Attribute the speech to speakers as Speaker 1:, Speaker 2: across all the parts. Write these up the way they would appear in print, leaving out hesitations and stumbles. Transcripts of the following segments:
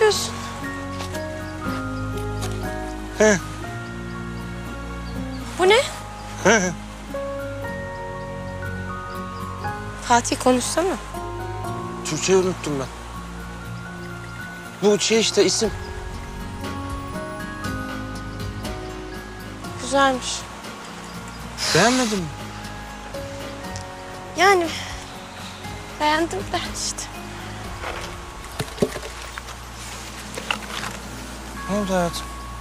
Speaker 1: yapıyorsun?
Speaker 2: He.
Speaker 1: Bu ne?
Speaker 2: He.
Speaker 1: Fatih konuşsana.
Speaker 2: Türkçeyi unuttum ben. Bu şey işte isim.
Speaker 1: Güzelmiş.
Speaker 2: Beğenmedin mi?
Speaker 1: Yani beğendim de işte.
Speaker 2: Ne oldu hayatım?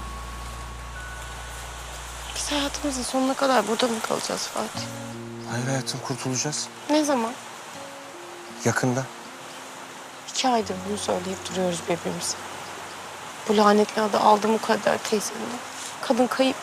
Speaker 1: Biz hayatımızın sonuna kadar burada mı kalacağız Fatih?
Speaker 2: Hayır hayatım, kurtulacağız.
Speaker 1: Ne zaman?
Speaker 2: Yakında.
Speaker 1: 2 aydır bunu söyleyip duruyoruz birbirimize. Bu lanetli adı aldı Mukadder teyzemden. Kadın kayıp.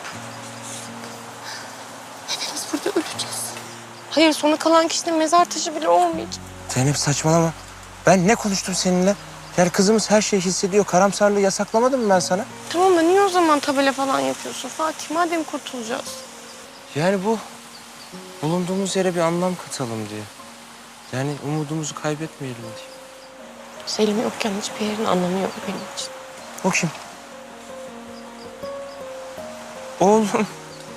Speaker 1: Hepimiz burada öleceğiz. Hayır, sona kalan kişinin mezar taşı bile olmayacak.
Speaker 2: Zeynep saçmalama. Ben ne konuştum seninle? Yani kızımız her şeyi hissediyor. Karamsarlığı yasaklamadım mı ben sana?
Speaker 1: Tamam da niye o zaman tabela falan yapıyorsun Fatih? Madem kurtulacağız.
Speaker 2: Yani bu bulunduğumuz yere bir anlam katalım diye. Yani umudumuzu kaybetmeyelim diye.
Speaker 1: Selim yokken hiçbir yerin anlamı yok benim için.
Speaker 2: O kim? Oğlum.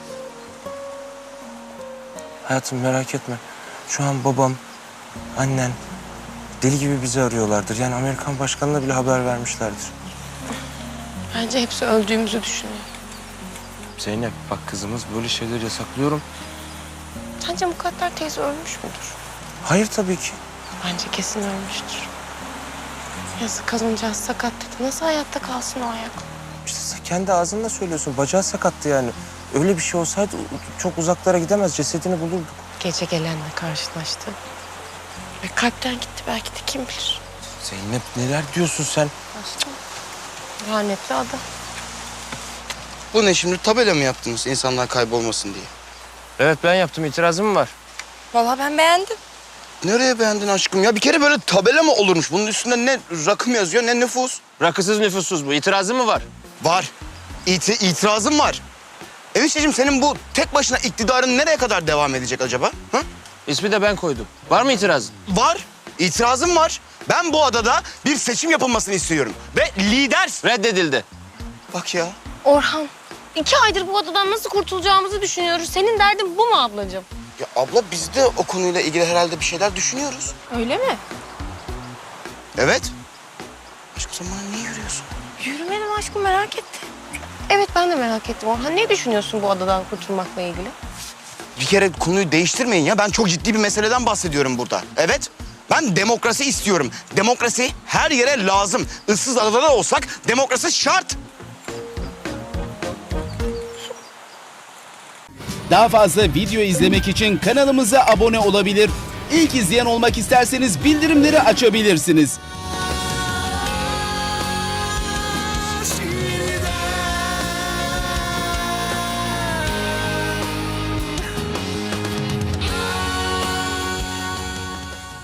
Speaker 2: Hayatım merak etme. Şu an babam, annen deli gibi bizi arıyorlardır. Yani Amerikan başkanına bile haber vermişlerdir.
Speaker 1: Bence hepsi öldüğümüzü düşünüyor.
Speaker 2: Zeynep bak, kızımız böyle şeyler yasaklıyorum.
Speaker 1: Sence Mukadder teyze ölmüş müdür?
Speaker 2: Hayır tabii ki.
Speaker 1: Bence kesin ölmüştür. Yazık, kadıncağız sakat dedi. Nasıl hayatta kalsın o ayakla?
Speaker 2: İşte sen kendi ağzınla söylüyorsun. Bacağı sakattı yani. Öyle bir şey olsaydı çok uzaklara gidemez. Cesedini bulurduk.
Speaker 1: Gece gelenle karşılaştı. Ve kalpten gitti belki de, kim bilir.
Speaker 2: Zeynep neler diyorsun sen?
Speaker 1: Aşkım. Lanetli adam.
Speaker 3: Bu ne şimdi, tabela mı yaptınız insanlar kaybolmasın diye?
Speaker 2: Evet ben yaptım. İtirazım mı var?
Speaker 1: Vallahi ben beğendim.
Speaker 3: Nereye beğendin aşkım ya? Bir kere böyle tabela mı olurmuş? Bunun üstünde ne rakım yazıyor ne nüfus?
Speaker 2: Rakısız nüfussuz bu. İtirazın mı var?
Speaker 3: Var. İtirazım var. Enişteciğim, senin bu tek başına iktidarın nereye kadar devam edecek acaba? Ha?
Speaker 2: İsmi de ben koydum. Var mı itirazın?
Speaker 3: Var. İtirazım var. Ben bu adada bir seçim yapılmasını istiyorum. Ve lider...
Speaker 2: Reddedildi.
Speaker 3: Bak ya.
Speaker 1: Orhan, 2 aydır bu adadan nasıl kurtulacağımızı düşünüyoruz. Senin derdin bu mu ablacığım?
Speaker 3: Ya abla, biz de o konuyla ilgili herhalde bir şeyler düşünüyoruz.
Speaker 1: Öyle mi?
Speaker 3: Evet. Aşkım sen bana niye yürüyorsun?
Speaker 1: Yürümedim aşkım, merak ettim. Evet, ben de merak ettim Orhan. Ne düşünüyorsun bu adadan kurtulmakla ilgili?
Speaker 3: Bir kere konuyu değiştirmeyin ya. Ben çok ciddi bir meseleden bahsediyorum burada. Evet. Ben demokrasi istiyorum. Demokrasi her yere lazım. Issız adada da olsak demokrasi şart.
Speaker 4: Daha fazla video izlemek için kanalımıza abone olabilir. İlk izleyen olmak isterseniz bildirimleri açabilirsiniz.